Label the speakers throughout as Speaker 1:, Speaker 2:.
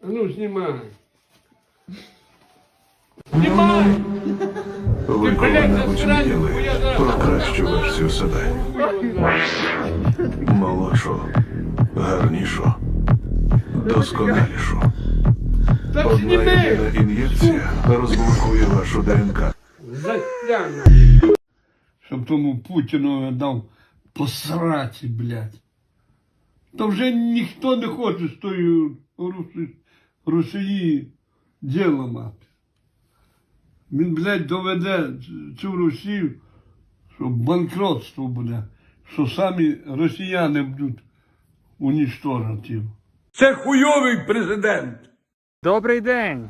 Speaker 1: А ну, знімай. Знімай!
Speaker 2: Ви коли-небудь мріяли про кращу версію себе. Молодшу, гарнішу, досконалішу.
Speaker 1: Так
Speaker 2: Одна
Speaker 1: зніми!
Speaker 2: єдина ін'єкція розблокує вашу ДНК.
Speaker 1: Затягну. Щоб тому Путіну дав посраці, блядь. То вже ніхто не хоче з тої Росії діло мати. Він, блядь, доведе цю Росію, що банкротство буде, що самі росіяни будуть унічтожити. Це хуйовий президент.
Speaker 3: Добрий день!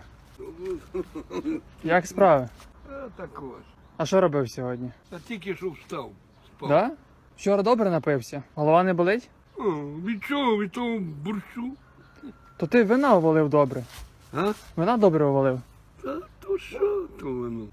Speaker 3: Як справи?
Speaker 1: Так ось.
Speaker 3: А що робив сьогодні?
Speaker 1: Та тільки що встав. Спав.
Speaker 3: Да? Вчора добре напився? Голова не болить?
Speaker 1: О, від чого? Від того борщу?
Speaker 3: То ти вина увалив добре.
Speaker 1: А?
Speaker 3: Вина добре увалив.
Speaker 1: Та то що то воно?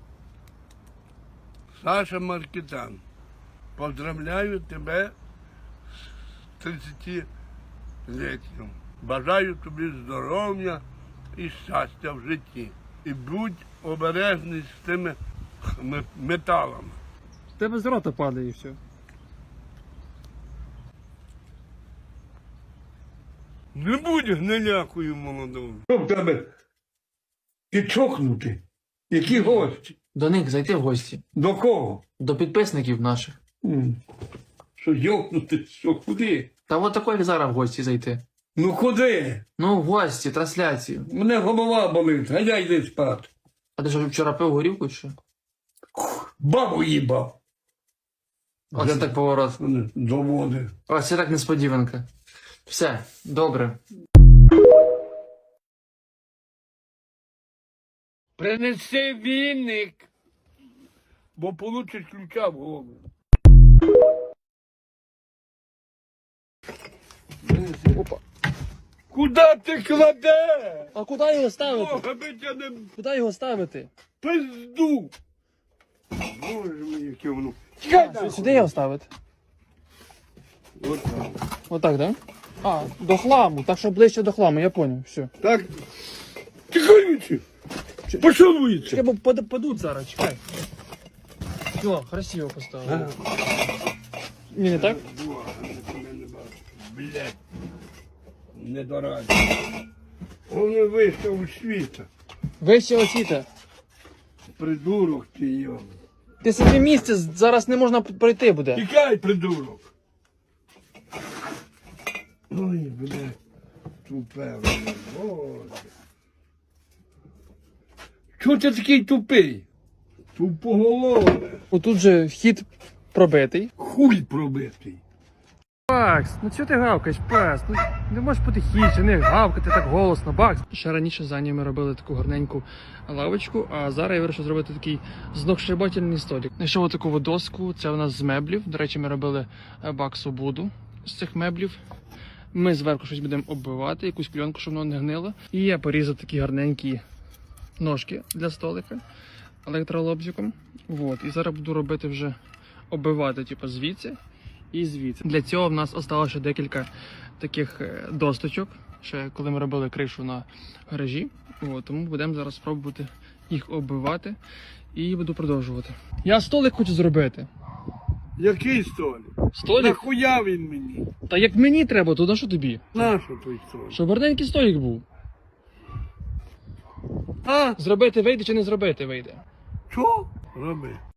Speaker 1: Саша Маркітан, поздравляю тебе з 30-літтям. Бажаю тобі здоров'я і щастя в житті. І будь обережний з тими металами.
Speaker 3: В тебе з рота падає і все.
Speaker 1: Не будь гнилякою молодою. Що в тебе? Ти чокнутий? Які гості?
Speaker 4: До них зайти в гості.
Speaker 1: До кого?
Speaker 4: До підписників наших.
Speaker 1: Що йокнути? Що куди?
Speaker 4: Та от такої як зараз в гості зайти.
Speaker 1: Ну куди?
Speaker 4: Ну, в гості, трансляцію.
Speaker 1: Мене голова болить, а я йди спати.
Speaker 4: А ти що вчора пив горівку чи що?
Speaker 1: Бабу їбав.
Speaker 4: Оце так поворот.
Speaker 1: Доводи.
Speaker 4: Ось це так несподіванка. Все, добре.
Speaker 1: Принеси віник, бо получиш ключа в голову.
Speaker 3: Опа.
Speaker 1: Куда ти кладеш?
Speaker 3: А куди його ставити?
Speaker 1: Бога би тебе не
Speaker 3: Куди його ставити?
Speaker 1: пизду. Боже мій, яке воно. Чекай,
Speaker 3: Сюди його ставити.
Speaker 1: Отак.
Speaker 3: Отак, так? Да? А, до хламу, так що ближче до хламу, я поняв, все.
Speaker 1: Так. Тихонючи. Пішов вулицю.
Speaker 3: Чекай, бо падуть зараз, чекай. Все, красиво поставили. Ні, не так?
Speaker 1: Блядь. Не дораді. Вони вийшов у світа.
Speaker 3: Вище осіта.
Speaker 1: Придурок ти його.
Speaker 3: Ти собі місце зараз не можна пройти буде.
Speaker 1: Тікай, придурок. Ой, блядь. Тупе, блядь. Боже. Чого ти такий тупий? Тупоголове.
Speaker 3: Отут же вхід пробитий.
Speaker 1: Хуй пробитий.
Speaker 3: Бакс, ну чого ти гавкаєш, пес? Ну не можеш потихіше, не гавкати так голосно, Бакс. Ще раніше за ми робили таку гарненьку лавочку, а зараз я вирішив зробити такий знохшибательний столик. Знайшов таку доску, це у нас з меблів. До речі, ми робили Баксу буду з цих меблів. Ми зверху щось будемо оббивати, якусь кльонку, щоб воно не гнило. І я порізав такі гарненькі ножки для столика електролобзиком. Вот. І зараз буду робити вже оббивати, типу, звідси і звідси. Для цього в нас осталося ще декілька таких досточок, ще коли ми робили кришу на гаражі. От, тому будемо зараз спробувати їх оббивати і буду продовжувати. Я столик хочу зробити.
Speaker 1: Який столик?
Speaker 3: Столик?
Speaker 1: Нахуя він мені?
Speaker 3: Та як мені треба, то на що тобі?
Speaker 1: Нащо той столик?
Speaker 3: Щоб гарненький столик був.
Speaker 1: А?
Speaker 3: Зробити вийде чи не зробити вийде?
Speaker 1: Що? Роби.